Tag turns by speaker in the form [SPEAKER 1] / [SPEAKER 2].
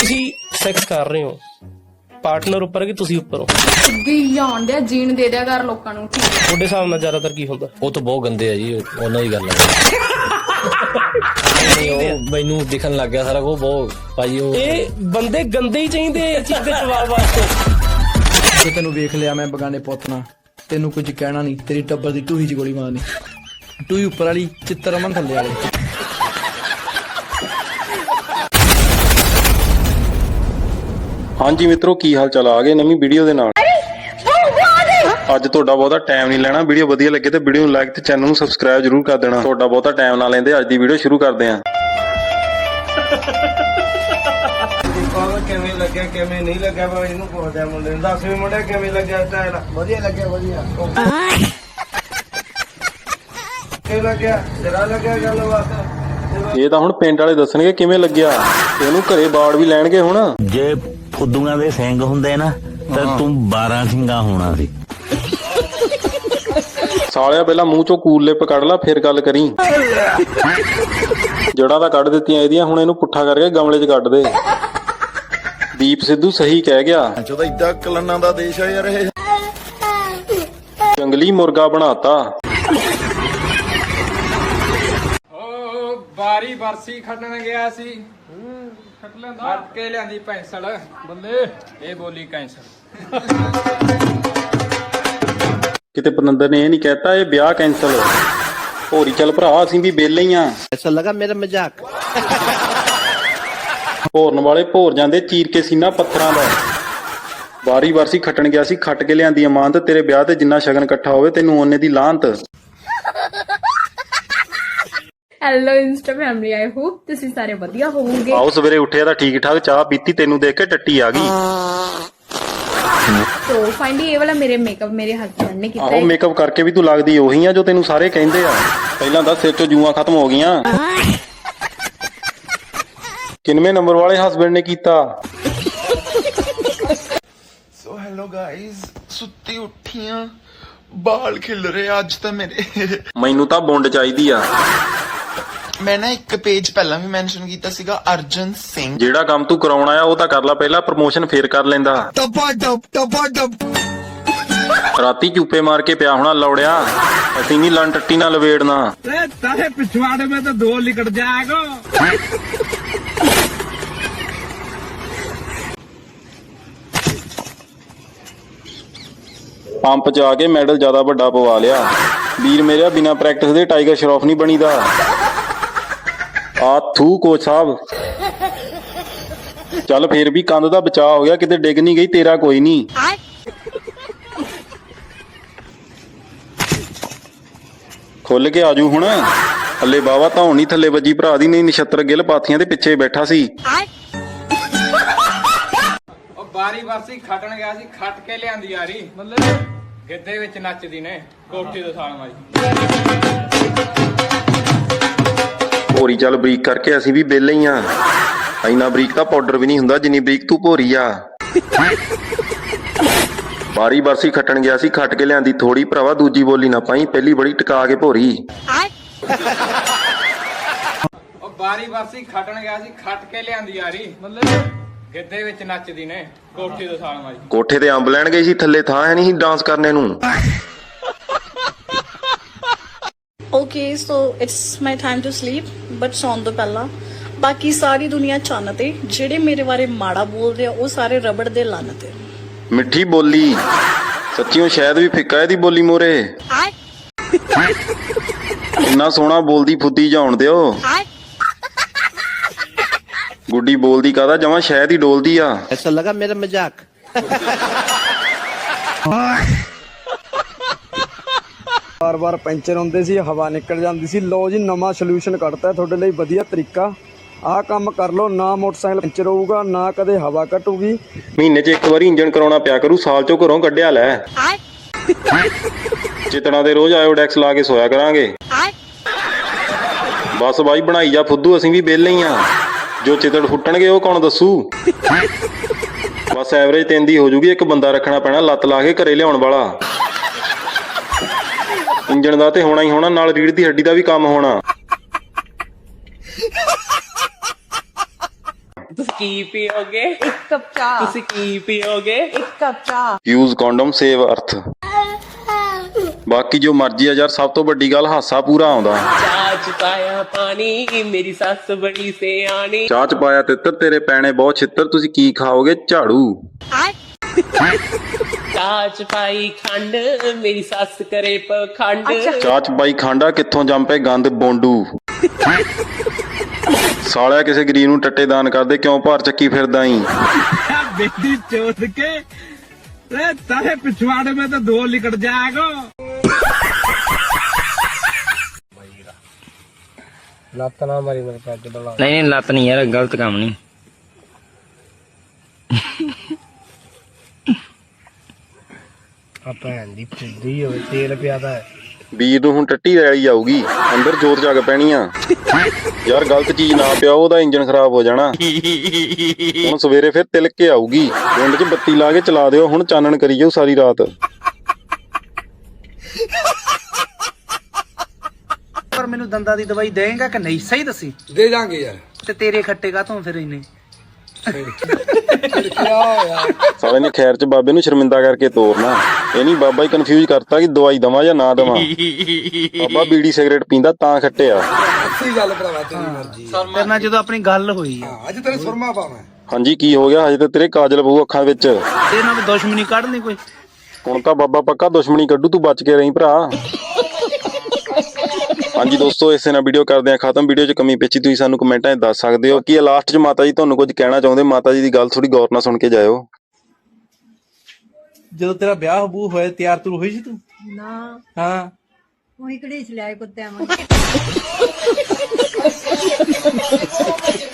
[SPEAKER 1] ਤੁਸੀਂ ਸੈਕਸ ਕਰ ਰਹੇ ਹੋ, ਪਾਰਟਨਰ ਉੱਪਰ ਹੈ ਕਿ ਤੁਸੀਂ ਉੱਪਰ ਹੋ?
[SPEAKER 2] ਵੀ ਆਉਣ ਡਿਆ ਜੀਣ ਦੇ ਦਿਆ ਕਰ ਲੋਕਾਂ ਨੂੰ।
[SPEAKER 1] ਤੁਹਾਡੇ ਹਿਸਾਬ ਨਾਲ ਜ਼ਿਆਦਾਤਰ ਕੀ ਹੁੰਦਾ?
[SPEAKER 3] ਉਹ ਤਾਂ ਬਹੁਤ ਗੰਦੇ ਆ ਜੀ, ਉਹਨਾਂ ਦੀ ਗੱਲ ਹੈ। ਉਹ ਮੈਨੂੰ ਦਿਖਣ ਲੱਗ ਗਿਆ ਸਾਰਾ ਕੁਝ ਬਹੁਤ ਭਾਜੀ। ਉਹ
[SPEAKER 1] ਇਹ ਬੰਦੇ ਗੰਦੇ ਹੀ ਚਾਹੀਦੇ ਇਸ ਚੀਜ਼ ਦੇ ਜਵਾਬ ਵਾਸਤੇ।
[SPEAKER 4] ਜੇ ਤੈਨੂੰ ਵੇਖ ਲਿਆ ਮੈਂ ਬਗਾਨੇ ਪੁੱਤ ਨਾਲ, ਤੈਨੂੰ ਕੁਝ ਕਹਿਣਾ ਨਹੀਂ, ਤੇਰੀ ਟੱਬਰ ਦੀ ਟੂਹੀ 'ਚ ਗੋਲੀ ਮਾਰਨੀ। ਟੂਹੀ ਉੱਪਰ ਵਾਲੀ, ਚਿੱਤਰ ਅਮਨ ਥੱਲੇ ਵਾਲੇ।
[SPEAKER 5] ਹਾਂਜੀ ਮਿੱਤਰੋ, ਕੀ ਹਾਲ ਚਾਲ? ਆ ਗਏ ਨਵੀਂ ਵੀਡੀਓ ਦੇ ਨਾਲ। ਅੱਜ ਤੁਹਾਡਾ ਬਹੁਤਾ ਟਾਈਮ ਨਹੀਂ ਲੈਣਾ। ਵੀਡੀਓ ਵਧੀਆ ਲੱਗੇ ਤੇ ਵੀਡੀਓ ਨੂੰ ਲਾਈਕ ਤੇ ਚੈਨਲ ਨੂੰ ਸਬਸਕ੍ਰਾਈਬ ਜਰੂਰ ਕਰ ਦੇਣਾ। ਤੁਹਾਡਾ ਬਹੁਤਾ ਟਾਈਮ ਨਾ ਲੈਂਦੇ ਅੱਜ ਦੀ ਵੀਡੀਓ ਸ਼ੁਰੂ ਕਰਦੇ ਹਾਂ।
[SPEAKER 6] ਕਿਵੇਂ ਲੱਗਿਆ ਕਿਵੇਂ ਨਹੀਂ ਲੱਗਿਆ ਵਾ ਇਹਨੂੰ ਪੁੱਛਦਾ ਮੁੰਡੇ ਨੂੰ। ਦੱਸ ਵੀ ਮੁੰਡੇ ਕਿਵੇਂ ਲੱਗਿਆ ਸਟਾਈਲ? ਵਧੀਆ ਲੱਗਿਆ, ਵਧੀਆ। ਕਿਵੇਂ ਲੱਗਿਆ? ਜਰਾ ਲੱਗਿਆ ਗੱਲਬਾਤ।
[SPEAKER 5] ਇਹ ਤਾਂ ਹੁਣ ਪਿੰਡ ਵਾਲੇ ਦੱਸਣਗੇ ਕਿਵੇਂ ਲੱਗਿਆ। ਇਹਨੂੰ ਘਰੇ ਬਾੜ ਵੀ ਲੈਣਗੇ ਹੁਣ।
[SPEAKER 7] ਜੇ ਫੁੱਦੂਆਂ ਦੇ ਸਿੰਘ ਹੁੰਦੇ ਨਾ ਤਾਂ ਤੂੰ 12 ਸਿੰਘਾਂ ਹੋਣਾ ਸੀ।
[SPEAKER 5] ਸਾਲਿਆ ਪਹਿਲਾਂ ਮੂੰਹ ਚੋਂ ਕੂਲ ਲਿਪ ਕੱਢ ਲਾ ਫਿਰ ਗੱਲ ਕਰੀ। ਜੜਾਂ ਤਾਂ ਕੱਢ ਦਿੱਤੀਆਂ ਇਹਦੀਆਂ, ਹੁਣ ਇਹਨੂੰ ਪੁੱਠਾ ਕਰਕੇ ਗਮਲੇ 'ਚ ਕੱਢ ਦੇ। ਦੀਪ ਸਿੱਧੂ ਸਹੀ ਕਹਿ ਗਿਆ।
[SPEAKER 8] ਜਦੋਂ ਇੱਦਾਂ ਕਲਨਾਂ ਦਾ ਦੇਸ਼ ਆ ਯਾਰ ਇਹ।
[SPEAKER 5] ਜੰਗਲੀ ਮੁਰਗਾ ਬਣਾਤਾ।
[SPEAKER 9] ਬਾਰੀ ਬਰਸੀ ਖੱਟਣ ਗਿਆ ਸੀ, ਖੱਟ ਲੈਂਦਾ, ਖੱਟ ਕੇ ਲਿਆਂਦੀ ਪੈਂਸਲ ਬੱਲੇ, ਇਹ ਬੋਲੀ ਕੈਂਸਲ।
[SPEAKER 5] ਕਿਤੇ ਪਨੰਦਰ ਨੇ ਇਹ ਨਹੀਂ ਕਹਿਤਾ ਇਹ ਵਿਆਹ ਕੈਂਸਲ। ਹੋਰੀ ਚੱਲ ਭਰਾ, ਅਸੀਂ ਵੀ ਵਿਹਲੇ ਹੀ ਆ।
[SPEAKER 4] ਐਸਾ ਲੱਗਾ ਮੇਰਾ ਮਜ਼ਾਕ।
[SPEAKER 5] ਭੋਰਨ ਵਾਲੇ ਭੋਰ ਜਾਂਦੇ ਚੀਰ ਕੇ ਸੀਨਾ ਪੱਥਰਾਂ ਦਾ। ਬਾਰੀ ਬਰਸੀ ਖੱਟਣ ਗਿਆ ਸੀ, ਖੱਟ ਕੇ ਲਿਆਂਦੀ ਅਮਾਨਤ। ਤੇਰੇ ਵਿਆਹ ਤੇ ਜਿੰਨਾ ਸ਼ਗਨ ਇਕੱਠਾ ਹੋਵੇ ਤੈਨੂੰ ਓਨੇ ਦੀ ਲਾਹਨਤ।
[SPEAKER 2] Hello insta family, I hope ਤੁਸੀਂ ਸਾਰੇ ਵਧੀਆ ਹੋਵੋਗੇ।
[SPEAKER 5] ਆਓ ਸਵੇਰੇ ਉੱਠਿਆ ਤਾਂ ਠੀਕ ਠਾਕ, ਚਾਹ ਪੀਤੀ, ਤੈਨੂੰ ਦੇਖ ਕੇ ਟੱਟੀ ਆ ਗਈ।
[SPEAKER 2] ਸੋ ਫਾਈਨਲੀ ਇਹ ਵਾਲਾ ਮੇਰੇ ਮੇਕਅਪ ਮੇਰੇ ਹਸਬੰਡ ਨੇ ਕੀਤਾ
[SPEAKER 5] ਆਹੋ, ਮੇਕਅਪ ਕਰਕੇ ਵੀ ਤੂੰ ਲੱਗਦੀ ਉਹੀ ਆ ਜੋ ਤੈਨੂੰ ਸਾਰੇ ਕਹਿੰਦੇ ਆ। ਪਹਿਲਾਂ ਤਾਂ ਸਿਰ ਚੋਂ ਜੂਆਂ ਖਤਮ ਹੋ ਗਈਆਂ। ਕਿੰਨਵੇਂ ਨੰਬਰ ਵਾਲੇ ਹਸਬੰਡ ਨੇ ਕੀਤਾ?
[SPEAKER 8] ਸੋ ਹੈਲੋ ਗਾਇਜ਼, ਸੁੱਤੀ ਉੱਠੀਆਂ, ਬਾਲ ਖਿਲ ਰਹੇ ਅੱਜ ਤਾਂ ਮੇਰੇ।
[SPEAKER 5] ਮੈਨੂੰ ਤਾਂ ਬੁੰਡ ਚਾਹੀਦੀ ਆ।
[SPEAKER 8] ਮੈਂ ਨਾ ਇੱਕ ਪੇਜ ਪਹਿਲਾਂ ਵੀ ਮੈਂਸ਼ਨ ਕੀਤਾ ਸੀਗਾ, ਅਰਜਨ ਸਿੰਘ।
[SPEAKER 5] ਜਿਹੜਾ ਕੰਮ ਤੂੰ ਕਰਾਉਣਾ ਆ ਉਹ ਤਾਂ ਕਰ ਲੈ ਪਹਿਲਾਂ, ਪ੍ਰਮੋਸ਼ਨ ਫੇਰ ਕਰ ਲੈਂਦਾ। ਰਾਤੀ ਚੂਪੇ ਮਾਰ ਕੇ ਪਿਆ ਹੋਣਾ ਲੌੜਿਆ, ਅਸੀਂ ਨਹੀਂ ਲੰਨ ਟੱਟੀ ਨਾਲ ਲਵੇੜਨਾ।
[SPEAKER 9] ਤਾਰੇ ਪਿਛਵਾੜੇ ਮੈਂ ਤਾਂ 2 ਲਿਕੜ ਜਾਏਗਾ।
[SPEAKER 5] ਪੰਪ 'ਚ ਆ ਕੇ ਮੈਡਲ ਜ਼ਿਆਦਾ ਵੱਡਾ ਪਵਾ ਲਿਆ। ਵੀਰ ਮੇਰਿਆ, ਬਿਨਾਂ ਪ੍ਰੈਕਟਿਸ ਦੇ ਟਾਈਗਰ ਸ਼ਰੋਫ ਨਹੀਂ ਬਣੀਦਾ। ਆ ਥੂ ਕੋਚ ਸਾਹਿਬ। ਚੱਲ ਫੇਰ ਵੀ ਕੰਧ ਦਾ ਬਚਾਅ ਹੋ ਗਿਆ, ਕਿਤੇ ਡਿੱਗ ਨਹੀਂ ਗਈ। ਤੇਰਾ ਕੋਈ ਨਹੀਂ। ਖੁੱਲ ਕੇ ਆਜੂ ਹੁਣ। ਹੱਲੇ ਬਾਵਾ ਧੌਣ ਨਹੀਂ ਥੱਲੇ ਵੱਜੀ ਭਰਾ ਦੀ, ਨਹੀਂ ਨਛੱਤਰ ਗਿੱਲ ਪਾਥੀਆਂ ਦੇ ਪਿੱਛੇ ਬੈਠਾ ਸੀ।
[SPEAKER 9] ਉਹ ਬਾਰੀ ਬਰਸੀ ਖੱਟਣ ਗਿਆ ਸੀ, ਖੱਟ ਕੇ ਲਿਆਂਦੀ ਯਾਰੀ ਬੱਲੇ, ਗਿੱਧੇ ਵਿੱਚ ਨੱਚਦੀ ਨੇ ਕੋਠੀ ਤੋਂ ਸਾਲ ਮਾਰੀ।
[SPEAKER 5] ਭੋਰੀ ਚੱਲ ਬਰੀਕ ਕਰਕੇ, ਅਸੀਂ ਵੀ ਵਿਹਲੇ ਹੀ ਆ। ਇੰਨਾ ਬਰੀਕ ਤਾਂ ਪਾਊਡਰ ਵੀ ਨਹੀਂ ਹੁੰਦਾ ਜਿੰਨੀ ਬਰੀਕ ਤੂੰ ਭੋਰੀ ਆ। ਬਾਰੀ ਬਰਸੀ ਖੱਟਣ ਗਿਆ ਸੀ, ਖੱਟ ਕੇ ਲਿਆਂਦੀ ਥੋੜੀ ਭਰਾਵਾ, ਦੂਜੀ ਬੋਲੀ ਨਾ ਪਾਈ, ਪਹਿਲੀ ਬੜੀ ਟਿਕਾ ਕੇ ਭੋਰੀ।
[SPEAKER 9] ਉਹ ਬਾਰੀ ਬਰਸੀ ਖੱਟਣ ਗਿਆ ਸੀ, ਖੱਟ ਕੇ ਲਿਆਂਦੀ ਯਾਰੀ ਬੱਲੇ, ਗਿੱਧੇ ਵਿੱਚ ਨੱਚਦੀ ਨੇ ਕੋਠੀ ਤੋਂ ਸਾਲ ਮਾਰੀ।
[SPEAKER 5] ਕੋਠੇ ਤੇ ਅੰਬ ਲੈਣ ਗਏ ਸੀ, ਥੱਲੇ ਥਾਂ ਹੈ ਨਹੀਂ ਡਾਂਸ ਕਰਨੇ ਨੂੰ।
[SPEAKER 10] Okay, so it's my time to sleep, but ਸੌਣ ਤੋਂ ਪਹਿਲਾਂ ਬਾਕੀ ਸਾਰੀ ਦੁਨੀਆ ਚੰਨ ਤੇ, ਜਿਹੜੇ ਮੇਰੇ ਬਾਰੇ ਮਾੜਾ ਬੋਲਦੇ ਆ ਉਹ ਸਾਰੇ ਰਬੜ ਦੇ ਲੰਨ ਤੇ।
[SPEAKER 5] ਮਿੱਠੀ ਬੋਲੀ ਸੱਚੀਓ ਸ਼ਾਇਦ ਵੀ ਫਿੱਕਾ ਇਹਦੀ ਬੋਲੀ ਮੋਰੇ। ਇੰਨਾ ਸੋਹਣਾ ਬੋਲਦੀ ਫੁੱਦੀ ਜਾਉਣ ਦਿਓ। ਗੁੱਡੀ ਬੋਲਦੀ ਕਾਹਦਾ, ਜਮਾਂ ਸ਼ਾਇਦ ਹੀ ਡੋਲਦੀ ਆ।
[SPEAKER 4] ਐਸਾ ਲੱਗਾ ਮੇਰਾ ਮਜ਼ਾਕ।
[SPEAKER 6] ਬਾਰ-ਬਾਰ ਪੈਂਚਰ ਹੁੰਦੇ ਸੀ, ਹਵਾ ਨਿਕਲ ਜਾਂਦੀ ਸੀ। ਲੋ ਜੀ, ਨਵਾਂ ਸੋਲੂਸ਼ਨ ਕੱਢਤਾ ਤੁਹਾਡੇ ਲਈ, ਵਧੀਆ ਤਰੀਕਾ। ਆਹ ਕੰਮ ਕਰ ਲਓ, ਨਾ ਮੋਟਰਸਾਈਕਲ ਪੈਂਚਰ ਹੋਊਗਾ, ਨਾ ਕਦੇ ਹਵਾ ਘਟੂਗੀ।
[SPEAKER 5] ਮਹੀਨੇ 'ਚ ਇੱਕ ਵਾਰੀ ਇੰਜਣ ਕਰਾਉਣਾ ਪਿਆ ਕਰੂ, ਸਾਲ 'ਚੋਂ ਘਰੋਂ ਕੱਢਿਆ ਲੈ। ਚਿਤੜਾਂ ਦੇ ਰੋਜ਼ ਆਇਓਡੈਕਸ ਲਾ ਕੇ ਸੋਇਆ ਕਰਾਂਗੇ। ਬਸ ਬਾਈ ਬਣਾਈ ਜਾ ਫੁੱਦੂ, ਅਸੀਂ ਵੀ ਵਿਹਲੇ ਹੀ ਆ। ਜੋ ਚਿਤੜ ਫੁੱਟਣਗੇ ਉਹ ਕੌਣ ਦੱਸੂ। ਬਸ ਐਵਰੇਜ 3 ਦੀ ਹੋ ਜੂਗੀ, ਇੱਕ ਬੰਦਾ ਰੱਖਣਾ ਪੈਣਾ ਲੱਤ ਲਾ ਕੇ ਘਰੇ ਲਿਆਉਣ ਵਾਲਾ। ਇੰਜਣ ਦਾ ਤੇ ਹੋਣਾ ਹੀ ਹੋਣਾ, ਨਾਲ ਰੀੜ੍ਹ ਦੀ ਹੱਡੀ ਦਾ ਵੀ ਕੰਮ ਹੋਣਾ।
[SPEAKER 1] ਕੀ ਪੀਓਗੇ?
[SPEAKER 2] ਇੱਕ ਕੱਪ ਚਾਹ।
[SPEAKER 1] ਤੁਸੀਂ ਕੀ ਪੀਓਗੇ?
[SPEAKER 2] ਇੱਕ ਕੱਪ ਚਾਹ।
[SPEAKER 5] ਯੂਜ਼ ਕੰਡੋਮ ਸੇਵ ਅਰਥ। ਬਾਕੀ ਜੋ ਮਰਜ਼ੀ ਆ ਯਾਰ, ਸਭ ਤੋਂ ਵੱਡੀ ਗੱਲ ਹਾਸਾ ਪੂਰਾ ਆਉਂਦਾ।
[SPEAKER 1] ਚਾਹ ਚ ਪਾਇਆ ਪਾਣੀ, ਮੇਰੀ ਸੱਸ ਬੜੀ ਸਿਆਣੀ।
[SPEAKER 5] ਚਾਹ ਚ ਪਾਇਆ ਤਿੱਤਰ, ਤੇਰੇ ਪੈਣੇ ਬਹੁਤ ਛਿੱਤਰ, ਤੁਸੀਂ ਕੀ ਖਾਓਗੇ? ਝਾੜੂ।
[SPEAKER 1] ਚਾਹ ਚ ਪਾਈ ਖੰਡ, ਮੇਰੀ ਸੱਸ ਕਰੇ ਪਖੰਡ।
[SPEAKER 5] ਚਾਹ ਚ ਪਾਈ ਖਾਂਡਾ, ਕਿੱਥੋਂ ਜੰਮ ਪਏ ਗੰਦ ਬੋਂਡੂ। ਸਾਲਿਆ ਕਿਸੇ ਗਰੀਬ ਨੂੰ ਟੱਟੇ ਦਾਨ ਕਰਦੇ, ਕਿਉਂ ਭਾਰ ਚੱਕੀ ਫਿਰਦਾ ਈ?
[SPEAKER 9] बेटी चोट के तारे पिछवाड़े में तो धो लिकट जाएगा।
[SPEAKER 1] ਲੱਤ ਨਾ ਮਾਰੀ ਮੇਰੇ ਪੈਗ ਡਲਾ।
[SPEAKER 9] नहीं लत नहीं यार, गलत काम नहीं।
[SPEAKER 1] ਆ ਭੈਣ ਦੀ ਫੁੱਦੀ ਹੋਵੇ, ਤੇਲ ਪਿਆਦਾ।
[SPEAKER 5] ਵੀਰ ਨੂੰ ਹੁਣ ਟੱਟੀ ਰੈਲੀ ਆਊਗੀ, ਅੰਦਰ ਜੋਤ ਜਗ ਪੈਣੀ ਆ। ਯਾਰ ਗਲਤ ਚੀਜ਼ ਨਾ ਪਿਆਓ, ਉਹਦਾ ਇੰਜਨ ਖਰਾਬ ਹੋ ਜਾਣਾ। ਹੁਣ ਸਵੇਰੇ ਫਿਰ ਤਿਲਕ ਕੇ ਆਊਗੀ। ਪਿੰਡ 'ਚ ਬੱਤੀ ਲਾ ਕੇ ਚਲਾ ਦਿਓ, ਹੁਣ ਚਾਨਣ ਕਰੀ ਜਾਓ ਸਾਰੀ ਰਾਤ।
[SPEAKER 9] पर मैनू दंदा दी दवाई देगा कि नहीं, सही दसी।
[SPEAKER 4] ਦੇ ਜਾਾਂਗੇ ਯਾਰ।
[SPEAKER 9] ते तेरे खट्टे का तो फिर इन्हें
[SPEAKER 5] ਸਾਲੇ ਨੇ ਖੈਰ 'ਚ ਬਾਬੇ ਨੂੰ ਸ਼ਰਮਿੰਦਾ ਕਰਕੇ ਤੋਰਨਾ। ਇਹ ਨਹੀਂ ਬਾਬਾ ਹੀ ਕਨਫਿਊਜ਼ ਕਰਤਾ ਕਿ ਦਵਾਈ ਦਵਾਂ ਜਾਂ ਨਾ ਦਵਾਂ। ਬਾਬਾ ਬੀੜੀ ਸਿਗਰਟ ਪੀਂਦਾ ਤਾਂ ਖੱਟਿਆ।
[SPEAKER 4] ਸਹੀ ਗੱਲ ਭਰਾਵਾ, ਤੇਰੀ ਮਰਜ਼ੀ।
[SPEAKER 9] तेरे नाल जदों अपनी गल हुई है,
[SPEAKER 4] ਅੱਜ ਤੇਰੇ ਸੁਰਮਾ ਪਾਵਾਂ।
[SPEAKER 5] ਹਾਂਜੀ ਕੀ ਹੋ ਗਿਆ? ਹਜੇ ਤਾਂ ਤੇਰੇ ਕਾਜਲ ਪਊ ਅੱਖਾਂ ਵਿੱਚ।
[SPEAKER 9] तेरे नाल दुश्मनी काढ़नी कोई।
[SPEAKER 5] ਹੁਣ ਤਾਂ ਬਾਬਾ ਪੱਕਾ ਦੁਸ਼ਮਣੀ ਕੱਢੂ, ਤੂੰ ਬਚ ਕੇ ਰਹੀਂ ਭਰਾ। ਹਾਂਜੀ ਦੋਸਤੋ, ਇਸੇ ਨਾਲ ਵੀਡੀਓ ਕਰਦੇ ਆ ਖਤਮ। ਵੀਡੀਓ 'ਚ ਕਮੀ ਪੇਚੀ ਤੁਸੀਂ ਸਾਨੂੰ ਕਮੈਂਟਾਂ 'ਚ ਦੱਸ ਸਕਦੇ ਹੋ। ਕੀ ਲਾਸਟ 'ਚ ਮਾਤਾ ਜੀ ਤੁਹਾਨੂੰ ਕੁਝ ਕਹਿਣਾ ਚਾਹੁੰਦੇ? ਮਾਤਾ ਜੀ ਦੀ ਗੱਲ ਥੋੜੀ ਗੌਰ ਨਾਲ ਸੁਣ ਕੇ ਜਾਇਓ।
[SPEAKER 4] ਜਦੋਂ ਤੇਰਾ ਵਿਆਹ ਬੂ ਹੋਇਆ, ਤਿਆਰ ਤੂਰ ਹੋਈ ਸੀ ਤੂੰ?
[SPEAKER 2] ਨਾ
[SPEAKER 4] ਹਾਂ,
[SPEAKER 2] ਉਹੀ ਘੜੀਸ ਲਿਆਏ ਕੁੱਤਿਆਂ ਵਾਂਗ।